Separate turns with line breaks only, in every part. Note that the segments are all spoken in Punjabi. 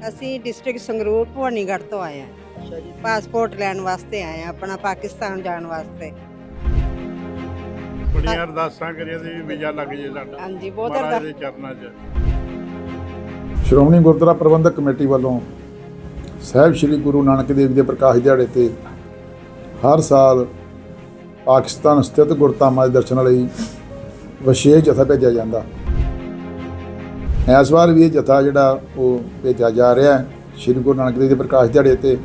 ਅਸੀਂ ਡਿਸਟ੍ਰਿਕਟ ਸੰਗਰੂਰ ਭਵਾਨੀਗੜ੍ਹ ਤੋਂ ਆਏ ਹਾਂ।
ਅੱਛਾ ਜੀ।
ਪਾਸਪੋਰਟ ਲੈਣ ਵਾਸਤੇ ਆਏ ਹਾਂ, ਆਪਣਾ ਪਾਕਿਸਤਾਨ ਜਾਣ ਵਾਸਤੇ।
ਬੜੀਆਂ ਅਰਦਾਸਾਂ ਕਰੀਆਂ ਸੀ ਵੀ ਵੀਜ਼ਾ ਲੱਗ ਜੇ ਸਾਡਾ।
ਹਾਂਜੀ, ਬਹੁਤ
ਮਹਾਰਾਜ ਦੇ ਚਰਨਾਂ 'ਚ।
ਸ਼੍ਰੋਮਣੀ ਗੁਰਦੁਆਰਾ ਪ੍ਰਬੰਧਕ ਕਮੇਟੀ ਵੱਲੋਂ ਸਾਹਿਬ ਸ੍ਰੀ ਗੁਰੂ ਨਾਨਕ ਦੇਵ ਜੀ ਦੇ ਪ੍ਰਕਾਸ਼ ਦਿਹਾੜੇ ਤੇ ਹਰ ਸਾਲ ਪਾਕਿਸਤਾਨ ਸਥਿਤ ਗੁਰਧਾਮਾਂ ਦੇ ਦਰਸ਼ਨਾਂ ਲਈ ਵਿਸ਼ੇਸ਼ ਜਥਾ ਭੇਜਿਆ ਜਾਂਦਾ। ਇਸ ਵਾਰ ਵੀ ਇਹ ਜਥਾ ਜਿਹੜਾ ਉਹ ਭੇਜਿਆ ਜਾ ਰਿਹਾ ਹੈ। ਸ੍ਰੀ ਗੁਰੂ ਨਾਨਕ ਦੇਵ ਜੀ ਦੇ ਪ੍ਰਕਾਸ਼ ਦਿਹਾੜੇ ਤੇ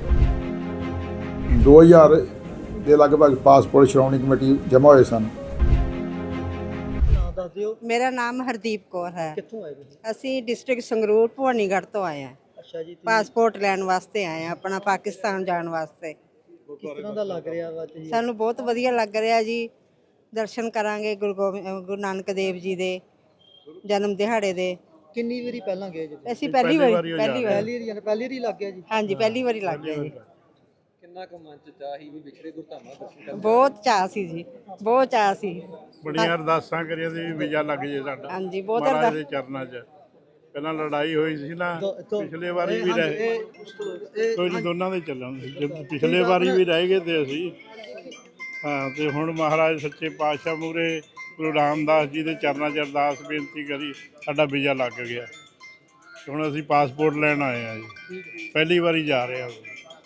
2000 ਦੇ ਲਗਭਗ ਪਾਸਪੋਰਟ ਸ਼੍ਰੋਮਣੀ ਕਮੇਟੀ ਜਮ੍ਹਾਂ ਹੋਏ ਸਨ।
ਨਾਮ ਦੱਸ ਦਿਓ।
ਮੇਰਾ ਨਾਮ ਹਰਦੀਪ ਕੌਰ ਹੈ।
ਕਿੱਥੋਂ ਆਏ ਤੁਸੀਂ?
ਅਸੀਂ ਡਿਸਟ੍ਰਿਕਟ ਸੰਗਰੂਰ ਭਵਾਨੀਗੜ੍ਹ ਤੋਂ ਆਏ ਹਾਂ।
ਅੱਛਾ ਜੀ।
ਪਾਸਪੋਰਟ ਲੈਣ ਵਾਸਤੇ ਆਏ ਹਾਂ, ਆਪਣਾ ਪਾਕਿਸਤਾਨ ਜਾਣ ਵਾਸਤੇ।
ਕਿਸ ਤਰ੍ਹਾਂ ਦਾ ਲੱਗ ਰਿਹਾ ਵਾ ਜੀ?
ਸਾਨੂੰ ਬਹੁਤ ਵਧੀਆ ਲੱਗ ਰਿਹਾ ਜੀ। ਦਰਸ਼ਨ ਕਰਾਂਗੇ ਗੁਰੂ ਨਾਨਕ ਦੇਵ ਜੀ ਦੇ ਜਨਮ ਦਿਹਾੜੇ ਦੇ।
ਕਿੰਨੀ ਵਾਰੀ ਪਹਿਲਾਂ ਗਏ ਜੀ?
ਅਸੀਂ ਪਹਿਲੀ ਵਾਰੀ
ਪਹਿਲੀ ਵਾਰੀ ਲੱਗ ਗਿਆ ਜੀ।
ਹਾਂਜੀ, ਪਹਿਲੀ ਵਾਰੀ ਲੱਗ ਗਿਆ ਜੀ।
ਕਿੰਨਾ ਕੁ ਮਨ ਚ ਚਾਹ ਸੀ ਵੀ ਵਿਛੜੇ ਗੁਰਧਾਮਾਂ ਦਰਸ਼ਨ ਕਰਨ?
ਬਹੁਤ ਚਾਅ ਸੀ ਜੀ, ਬਹੁਤ ਚਾਅ ਸੀ।
ਬੜੀਆਂ ਅਰਦਾਸਾਂ ਕਰੀਆਂ ਸੀ ਵੀ ਵੀਜ਼ਾ ਲੱਗ ਜੇ ਸਾਡਾ।
ਹਾਂਜੀ, ਬਹੁਤ
ਮਹਾਰਾਜ ਦੇ ਚਰਨਾਂ 'ਚ। ਪਹਿਲਾਂ ਲੜਾਈ ਹੋਈ ਸੀ ਨਾ, ਪਿਛਲੇ ਵਾਰੀ ਵੀ ਰਹੇ। ਕੋਈ ਨਹੀਂ, ਦੋਨਾਂ ਦੇ ਚੱਲਾਂਗੇ। ਜੇ ਪਿਛਲੇ ਵਾਰੀ ਵੀ ਰਹਿ ਗਏ ਤੇ ਅਸੀਂ ਤੇ ਹੁਣ ਮਹਾਰਾਜ ਸੱਚੇ ਪਾਤਸ਼ਾਹ ਮੂਹਰੇ ਗੁਰੂ ਰਾਮਦਾਸ ਜੀ ਦੇ ਚਰਨਾਂ 'ਚ ਅਰਦਾਸ ਬੇਨਤੀ ਕਰੀ, ਸਾਡਾ ਵੀਜ਼ਾ ਲੱਗ ਗਿਆ। ਹੁਣ ਅਸੀਂ ਪਾਸਪੋਰਟ ਲੈਣ ਆਏ ਹਾਂ ਜੀ, ਪਹਿਲੀ ਵਾਰੀ ਜਾ ਰਹੇ ਹਾਂ।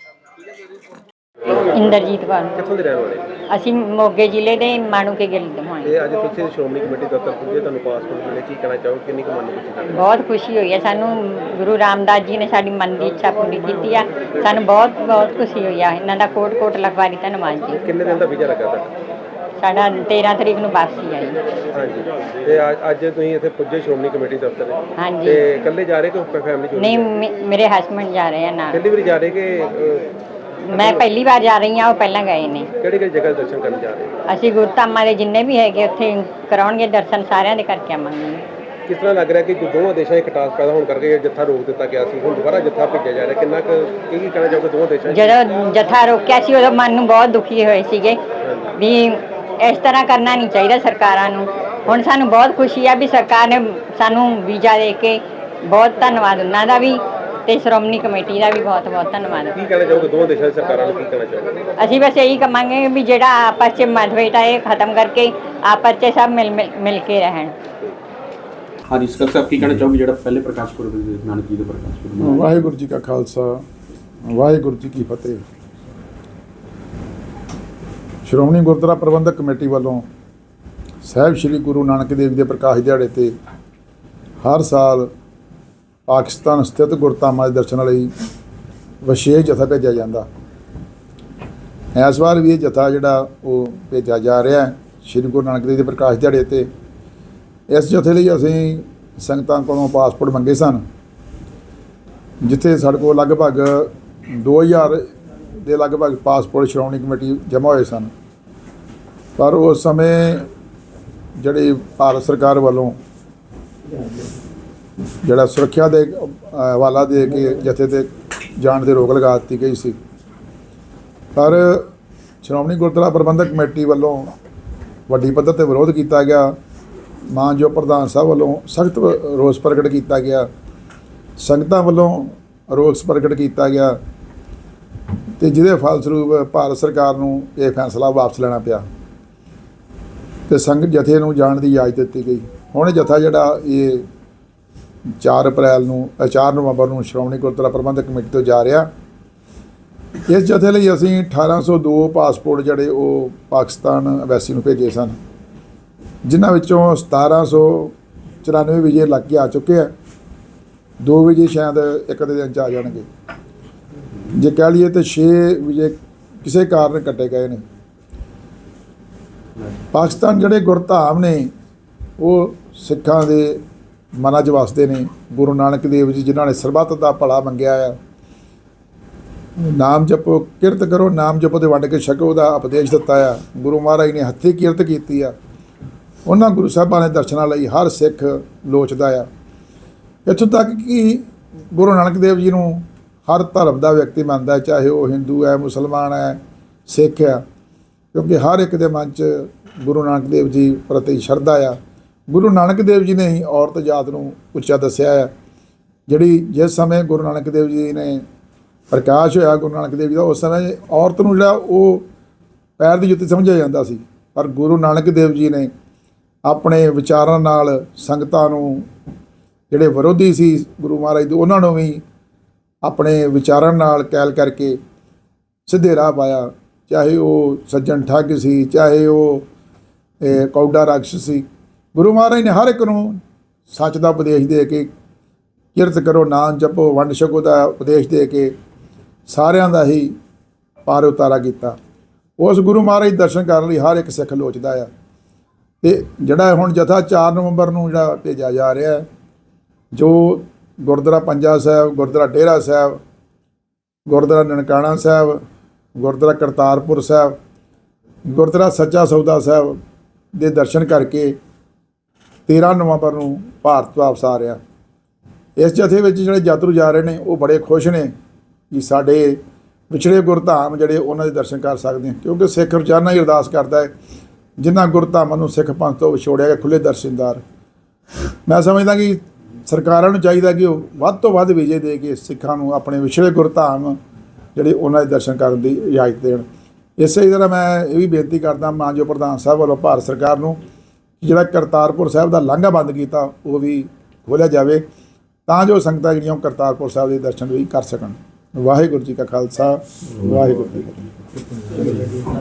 ਇੰਦਰਜੀਤ ਕੌਰ।
ਕਿੱਥੋਂ ਦੇ ਰਹਿਣ ਵਾਲੇ?
ਅਸੀਂ ਮੋਗੇ ਜ਼ਿਲ੍ਹੇ ਦੇ ਮਾਣੂਕੇ ਗਿੱਲ ਤੋਂ ਆਏ।
ਇਹ ਅੱਜ ਤੁਸੀਂ ਸ਼੍ਰੋਮਣੀ ਕਮੇਟੀ ਦਫ਼ਤਰ ਪੁੱਜੇ, ਤੁਹਾਨੂੰ ਪਾਸਪੋਰਟ ਮਿਲੇ, ਕੀ ਕਹਿਣਾ ਚਾਹੋ? ਕਿੰਨੀ ਕੁ ਮਨ ਨੂੰ ਖੁਸ਼ੀ ਹੈ?
ਬਹੁਤ ਖੁਸ਼ੀ ਹੋਈ ਹੈ ਸਾਨੂੰ। ਗੁਰੂ ਰਾਮਦਾਸ ਜੀ ਨੇ ਸਾਡੀ ਮਨ ਦੀ ਇੱਛਾ ਪੂਰੀ ਕੀਤੀ ਆ। ਸਾਨੂੰ ਬਹੁਤ ਬਹੁਤ ਖੁਸ਼ੀ ਹੋਈ ਆ। ਇਹਨਾਂ ਦਾ ਕੋਟ ਕੋਟ ਲਖਵਾਰੀ ਧੰਨਵਾਦ ਜੀ।
ਕਿੰਨੇ ਦਿਨ ਦਾ ਵੀਜ਼ਾ ਲੱਗਾ ਤੁਹਾਡਾ?
ਸਾਡਾ 13 ਤਰੀਕ ਨੂੰ ਵਾਪਸੀ ਆਈ।
ਹਾਂਜੀ। ਤੇ ਅੱਜ ਤੁਸੀਂ ਇੱਥੇ ਪੁੱਜੇ ਸ਼੍ਰੋਮਣੀ ਕਮੇਟੀ ਦਫ਼ਤਰ
ਹਾਂਜੀ।
ਤੇ ਇਕੱਲੇ ਜਾ ਰਹੇ ਕਿ ਫੈਮਿਲੀ ਚ?
ਨਹੀਂ, ਮੇਰੇ ਹਸਬੰਡ ਜਾ ਰਹੇ ਆ ਨਾਲ।
ਪਹਿਲੀ ਵਾਰੀ ਜਾ ਰਹੇ ਕਿ
ਮੈਂ ਪਹਿਲੀ ਵਾਰ ਜਾ ਰਹੀ ਹਾਂ, ਉਹ ਪਹਿਲਾਂ ਗਏ ਨੇ।
ਕਿਹੜੀ ਕਿਹੜੀ ਜਗ੍ਹਾ ਦਰਸ਼ਨ ਕਰਨ ਜਾ ਰਹੇ?
ਅਸੀਂ ਗੁਰਧਾਮਾਂ ਦੇ ਜਿੰਨੇ ਵੀ ਹੈਗੇ ਉੱਥੇ ਕਰਾਉਣਗੇ ਦਰਸ਼ਨ, ਸਾਰਿਆਂ ਦੇ ਕਰਕੇ ਆਵਾਂਗੇ।
ਕਿਸ ਤਰ੍ਹਾਂ ਲੱਗ ਰਿਹਾ ਕਿ ਦੋਵਾਂ ਦੇਸ਼ਾਂ 'ਚ ਖਟਾਸ ਪੈਦਾ ਹੋਣ ਕਰਕੇ ਜੱਥਾ ਰੋਕ ਦਿੱਤਾ ਗਿਆ ਸੀ, ਹੁਣ ਦੁਬਾਰਾ ਜੱਥਾ ਭੇਜਿਆ ਜਾ ਰਿਹਾ? ਕਿੰਨਾ ਕੁ ਕੀ ਕਹਿਣਾ ਚਾਹੋਗੇ ਦੋਵਾਂ ਦੇਸ਼ਾਂ 'ਚ?
ਜਦੋਂ ਜਥਾ ਰੋਕਿਆ ਸੀ ਉਦੋਂ ਮਨ ਨੂੰ ਬਹੁਤ ਦੁਖੀ ਹੋਏ ਸੀਗੇ ਵੀ ਇਸ ਤਰ੍ਹਾਂ ਕਰਨਾ ਨਹੀਂ ਚਾਹੀਦਾ ਸਰਕਾਰਾਂ ਨੂੰ। ਹੁਣ ਸਾਨੂੰ ਬਹੁਤ ਖੁਸ਼ੀ ਆ ਵੀ ਸਰਕਾਰ ਨੇ ਸਾਨੂੰ ਵੀਜ਼ਾ ਦੇ ਕੇ। ਬਹੁਤ ਧੰਨਵਾਦ ਉਹਨਾਂ ਦਾ ਵੀ ਤੇ ਸ਼੍ਰੋਮਣੀ ਕਮੇਟੀ ਦਾ ਵੀ ਬਹੁਤ ਬਹੁਤ ਧੰਨਵਾਦ।
ਕੀ ਕਹਿਣਾ ਚਾਹੋਗੇ ਦੋਵਾਂ ਦੇਸ਼ਾਂ ਦੀ ਸਰਕਾਰਾਂ ਨੂੰ? ਕੀ ਕਹਿਣਾ ਚਾਹੋਗੇ?
ਅਸੀਂ ਬਸ ਇਹੀ ਕਹਾਂਗੇ ਵੀ ਜਿਹੜਾ ਆਪਸ 'ਚ ਮਤਭੇਦ ਹੈ ਇਹ ਖਤਮ ਕਰਕੇ ਆਪਸ 'ਚ ਸਭ ਮਿਲ ਕੇ ਰਹਿਣ।
ਹਾਂਜੀ ਸਰ ਸਾਹਿਬ, ਕੀ ਕਹਿਣਾ ਚਾਹੋਗੇ ਜਿਹੜਾ ਪਹਿਲੇ ਪ੍ਰਕਾਸ਼ ਪੁਰਬ ਨਾਨਕ ਜੀ ਦੇ ਪ੍ਰਕਾਸ਼ ਪੁਰਬ?
ਵਾਹਿਗੁਰੂ ਜੀ ਕਾ ਖਾਲਸਾ, ਵਾਹਿਗੁਰੂ ਜੀ ਕੀ ਫਤਿਹ। ਸ਼੍ਰੋਮਣੀ ਗੁਰਦੁਆਰਾ ਪ੍ਰਬੰਧਕ ਕਮੇਟੀ ਵੱਲੋਂ ਸਾਹਿਬ ਸ੍ਰੀ ਗੁਰੂ ਨਾਨਕ ਦੇਵ ਜੀ ਦੇ ਪ੍ਰਕਾਸ਼ ਦਿਹਾੜੇ ਤੇ ਹਰ ਸਾਲ ਪਾਕਿਸਤਾਨ ਸਥਿਤ ਗੁਰਧਾਮਾਂ ਦੇ ਦਰਸ਼ਨਾਂ ਲਈ ਵਿਸ਼ੇਸ਼ ਜਥਾ ਭੇਜਿਆ ਜਾਂਦਾ। ਇਸ ਵਾਰ ਵੀ ਇਹ ਜਥਾ ਜਿਹੜਾ ਉਹ ਭੇਜਿਆ ਜਾ ਰਿਹਾ ਹੈ ਸ੍ਰੀ ਗੁਰੂ ਨਾਨਕ ਦੇਵ ਜੀ ਦੇ ਪ੍ਰਕਾਸ਼ ਦਿਹਾੜੇ ਤੇ। ਇਸ ਜਥੇ ਲਈ ਅਸੀਂ ਸੰਗਤਾਂ ਕੋਲੋਂ ਪਾਸਪੋਰਟ ਮੰਗੇ ਸਨ, ਜਿੱਥੇ ਸਾਡੇ ਕੋਲ ਲਗਭਗ 2000 ਦੇ ਲਗਭਗ ਪਾਸਪੋਰਟ ਸ਼੍ਰੋਮਣੀ ਕਮੇਟੀ ਜਮ੍ਹਾਂ ਹੋਏ ਸਨ। ਪਰ ਉਸ ਸਮੇਂ ਜਿਹੜੀ ਭਾਰਤ ਸਰਕਾਰ ਵੱਲੋਂ ਜਿਹੜਾ ਸੁਰੱਖਿਆ ਦੇ ਹਵਾਲਾ ਦੇ ਕੇ ਜਥੇ ਤੇ ਜਾਣ 'ਤੇ ਰੋਕ ਲਗਾ ਦਿੱਤੀ ਗਈ ਸੀ। ਪਰ ਸ਼੍ਰੋਮਣੀ ਗੁਰਦੁਆਰਾ ਪ੍ਰਬੰਧਕ ਕਮੇਟੀ ਵੱਲੋਂ ਵੱਡੀ ਪੱਧਰ 'ਤੇ ਵਿਰੋਧ ਕੀਤਾ ਗਿਆ। ਮਾਨਯੋਗ ਪ੍ਰਧਾਨ ਸਾਹਿਬ ਵੱਲੋਂ ਸਖਤ ਰੋਸ ਪ੍ਰਗਟ ਕੀਤਾ ਗਿਆ, ਸੰਗਤਾਂ ਵੱਲੋਂ ਰੋਸ ਪ੍ਰਗਟ ਕੀਤਾ ਗਿਆ ਤੇ ਜਿਹਦੇ ਫਲਸਰੂਪ ਭਾਰਤ ਸਰਕਾਰ ਨੂੰ ਇਹ ਫੈਸਲਾ ਵਾਪਸ ਲੈਣਾ ਪਿਆ ਤੇ ਸੰਗਤ ਜਥੇ ਨੂੰ ਜਾਣ ਦੀ ਇਜਾਜ਼ਤ ਦਿੱਤੀ ਗਈ। ਹੁਣ ਜਥਾ ਜਿਹੜਾ ਇਹ 4 ਨਵੰਬਰ ਨੂੰ ਸ਼੍ਰੋਮਣੀ ਗੁਰਦੁਆਰਾ ਪ੍ਰਬੰਧਕ ਕਮੇਟੀ ਤੋਂ ਜਾ ਰਿਹਾ। ਇਸ ਜਥੇ ਲਈ ਅਸੀਂ 1802 ਪਾਸਪੋਰਟ ਜਿਹੜੇ ਉਹ ਪਾਕਿਸਤਾਨ ਐਮਬੈਸੀ ਨੂੰ ਭੇਜੇ ਸਨ, ਜਿਨ੍ਹਾਂ ਵਿੱਚੋਂ 1794 ਵੀਜ਼ੇ ਲੱਗ ਕੇ ਆ ਚੁੱਕੇ ਆ। 2 ਵੀਜ਼ੇ ਸ਼ਾਇਦ ਇੱਕ ਦੇ ਦਿਨ 'ਚ ਆ ਜਾਣਗੇ। ਜੇ ਕਹਿ ਲਈਏ ਤਾਂ 6 ਵੀਜ਼ੇ ਕਿਸੇ ਕਾਰਨ ਕੱਟੇ ਗਏ ਨੇ। ਪਾਕਿਸਤਾਨ ਜਿਹੜੇ ਗੁਰਧਾਮ ਨੇ ਉਹ ਸਿੱਖਾਂ ਦੇ ਮਨਾਂ 'ਚ ਵਸਦੇ ਨੇ। ਗੁਰੂ ਨਾਨਕ ਦੇਵ ਜੀ ਜਿਨ੍ਹਾਂ ਨੇ ਸਰਬੱਤ ਦਾ ਭਲਾ ਮੰਗਿਆ ਆ, ਨਾਮ ਜਪੋ ਕਿਰਤ ਕਰੋ, ਨਾਮ ਜਪੋ ਤੇ ਵੰਡ ਕੇ ਛਕੋ ਦਾ ਉਪਦੇਸ਼ ਦਿੱਤਾ ਆ। ਗੁਰੂ ਮਹਾਰਾਜ ਨੇ ਹੱਥੀਂ ਕਿਰਤ ਕੀਤੀ ਆ। ਉਹਨਾਂ ਗੁਰੂ ਸਾਹਿਬਾਂ ਨੇ ਦਰਸ਼ਨਾਂ ਲਈ ਹਰ ਸਿੱਖ ਲੋਚਦਾ ਆ। ਇੱਥੋਂ ਤੱਕ ਕਿ ਗੁਰੂ ਨਾਨਕ ਦੇਵ ਜੀ ਨੂੰ ਹਰ ਧਰਮ ਦਾ ਵਿਅਕਤੀ ਮੰਨਦਾ, ਚਾਹੇ ਉਹ ਹਿੰਦੂ ਹੈ, ਮੁਸਲਮਾਨ ਹੈ, ਸਿੱਖ ਆ, ਕਿਉਂਕਿ ਹਰ ਇੱਕ ਦੇ ਮਨ 'ਚ ਗੁਰੂ ਨਾਨਕ ਦੇਵ ਜੀ ਪ੍ਰਤੀ ਸ਼ਰਧਾ ਆ। ਗੁਰੂ ਨਾਨਕ ਦੇਵ ਜੀ ਨੇ ਹੀ ਔਰਤ ਜਾਤ ਨੂੰ ਉੱਚਾ ਦੱਸਿਆ ਹੈ। ਜਿਹੜੀ ਜਿਸ ਸਮੇਂ ਗੁਰੂ ਨਾਨਕ ਦੇਵ ਜੀ ਨੇ ਪ੍ਰਕਾਸ਼ ਹੋਇਆ ਗੁਰੂ ਨਾਨਕ ਦੇਵ ਜੀ ਦਾ, ਉਸ ਸਮੇਂ ਔਰਤ ਨੂੰ ਜਿਹੜਾ ਉਹ ਪੈਰ ਦੀ ਜੁੱਤੀ ਸਮਝਿਆ ਜਾਂਦਾ ਸੀ, ਪਰ ਗੁਰੂ ਨਾਨਕ ਦੇਵ ਜੀ ਨੇ ਆਪਣੇ ਵਿਚਾਰਾਂ ਨਾਲ ਸੰਗਤਾਂ ਨੂੰ, ਜਿਹੜੇ ਵਿਰੋਧੀ ਸੀ ਗੁਰੂ ਮਹਾਰਾਜ ਦੇ, ਉਹਨਾਂ ਨੂੰ ਵੀ ਆਪਣੇ ਵਿਚਾਰਾਂ ਨਾਲ ਕੈਲ ਕਰਕੇ ਸਿੱਧੇ ਰਾਹ ਪਾਇਆ। ਚਾਹੇ ਉਹ ਸੱਜਣ ਠੱਗ ਸੀ, ਚਾਹੇ ਉਹ ਕੌਡਾ ਰਾਖਸ਼ ਸੀ, ਗੁਰੂ ਮਹਾਰਾਜ ਨੇ ਹਰ ਇੱਕ ਨੂੰ ਸੱਚ ਦਾ ਉਪਦੇਸ਼ ਦੇ ਕੇ, ਕਿਰਤ ਕਰੋ, ਨਾਮ ਜਪੋ, ਵੰਡ ਛਕੋ ਦਾ ਉਪਦੇਸ਼ ਦੇ ਕੇ ਸਾਰਿਆਂ ਦਾ ਹੀ ਪਾਰ ਉਤਾਰਾ ਕੀਤਾ। ਉਸ ਗੁਰੂ ਮਹਾਰਾਜ ਦੇ ਦਰਸ਼ਨ ਕਰਨ ਲਈ ਹਰ ਇੱਕ ਸਿੱਖ ਲੋਚਦਾ ਆ। ਅਤੇ ਜਿਹੜਾ ਹੁਣ ਜਥਾ 4 ਨਵੰਬਰ ਨੂੰ ਜਿਹੜਾ ਭੇਜਿਆ ਜਾ ਰਿਹਾ, ਜੋ ਗੁਰਦੁਆਰਾ ਪੰਜਾ ਸਾਹਿਬ, ਗੁਰਦੁਆਰਾ ਡੇਰਾ ਸਾਹਿਬ, ਗੁਰਦੁਆਰਾ ਨਨਕਾਣਾ ਸਾਹਿਬ, ਗੁਰਦੁਆਰਾ ਕਰਤਾਰਪੁਰ ਸਾਹਿਬ, ਗੁਰਦੁਆਰਾ ਸੱਚਾ ਸੌਦਾ ਸਾਹਿਬ ਦੇ ਦਰਸ਼ਨ ਕਰਕੇ 13 ਨਵੰਬਰ ਨੂੰ ਭਾਰਤ ਵਾਪਸ ਆ ਰਿਹਾ। ਇਸ ਜਥੇ ਵਿੱਚ ਜਿਹੜੇ ਯਾਤਰੂ ਜਾ ਰਹੇ ਨੇ ਉਹ ਬੜੇ ਖੁਸ਼ ਨੇ ਕਿ ਸਾਡੇ ਵਿਛੜੇ ਗੁਰਧਾਮ ਜਿਹੜੇ ਉਹਨਾਂ ਦੇ ਦਰਸ਼ਨ ਕਰ ਸਕਦੇ ਹਾਂ, ਕਿਉਂਕਿ ਸਿੱਖ ਰੋਜ਼ਾਨਾ ਹੀ ਅਰਦਾਸ ਕਰਦਾ ਹੈ, ਜਿਨ੍ਹਾਂ ਗੁਰਧਾਮਾਂ ਨੂੰ ਸਿੱਖ ਪੰਥ ਤੋਂ ਵਿਛੋੜਿਆ ਗਿਆ ਖੁੱਲ੍ਹੇ ਦਰਸ਼ਨਦਾਰ। ਮੈਂ ਸਮਝਦਾ ਕਿ ਸਰਕਾਰਾਂ ਨੂੰ ਚਾਹੀਦਾ ਕਿ ਉਹ ਵੱਧ ਤੋਂ ਵੱਧ ਵੀਜ਼ੇ ਦੇ ਕੇ ਸਿੱਖਾਂ ਨੂੰ ਆਪਣੇ ਵਿਛੜੇ ਗੁਰਧਾਮ ਜਿਹੜੇ ਉਹਨਾਂ ਦੇ ਦਰਸ਼ਨ ਕਰਨ ਦੀ ਇਜਾਜ਼ਤ ਦੇਣ। ਇਸੇ ਤਰ੍ਹਾਂ ਮੈਂ ਇਹ ਵੀ ਬੇਨਤੀ ਕਰਦਾ ਮਾਨਯੋਗ ਪ੍ਰਧਾਨ ਸਾਹਿਬ ਵੱਲੋਂ ਭਾਰਤ ਸਰਕਾਰ ਨੂੰ, ਜਿਹੜਾ ਕਰਤਾਰਪੁਰ ਸਾਹਿਬ ਦਾ ਲਾਂਘਾ ਬੰਦ ਕੀਤਾ ਉਹ ਵੀ ਖੋਲ੍ਹਿਆ ਜਾਵੇ, ਤਾਂ ਜੋ ਸੰਗਤਾਂ ਜਿਹੜੀਆਂ ਕਰਤਾਰਪੁਰ ਸਾਹਿਬ ਦੇ ਦਰਸ਼ਨ ਵੀ ਕਰ ਸਕਣ। ਵਾਹਿਗੁਰੂ ਜੀ ਕਾ ਖਾਲਸਾ, ਵਾਹਿਗੁਰੂ ਜੀ ਕੀ ਫਤਿਹ।